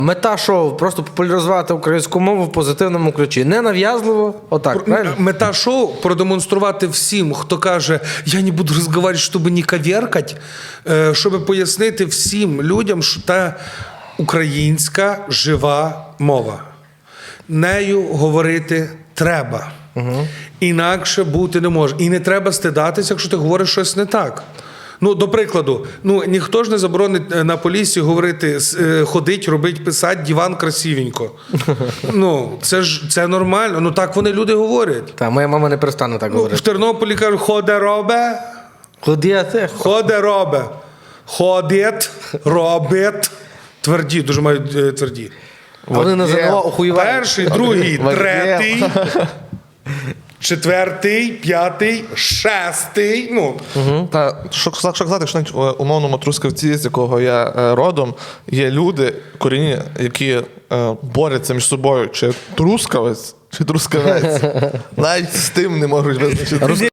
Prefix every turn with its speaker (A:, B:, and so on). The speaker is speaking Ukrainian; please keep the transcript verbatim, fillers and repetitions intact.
A: Мета шоу – просто популяризувати українську мову в позитивному ключі. Не нав'язливо, отак, правильно?
B: Мета шоу – продемонструвати всім, хто каже, я не буду розмовляти, щоб не коверкати, щоб пояснити всім людям, що та українська жива мова. Нею говорити треба. Угу. Інакше бути не може. І не треба стидатися, якщо ти говориш щось не так. Ну, до прикладу, ну, ніхто ж не заборонить на Поліссі говорити, ходить, робить, писати, диван красивенько. Ну, це ж це нормально. Ну, так вони люди говорять.
A: Та, моя мама не перестане так
B: Ну,
A: говорити.
B: в Тернополі кажуть, ходе робе.
A: Ходіте.
B: Ходе робе. Ходить, робить. Тверді, дуже мають е, тверді.
A: А вони на ЗНО охуєвають.
B: Перший, другий, третій, четвертий, п'ятий, шестий. Ну.
C: Угу. Та, що, що казати, якщо навіть в умовному Трускавці, з якого я е, родом, є люди, корінні, які е, борються між собою, чи трускавець, чи трускавець. Навіть з тим не можуть визначити.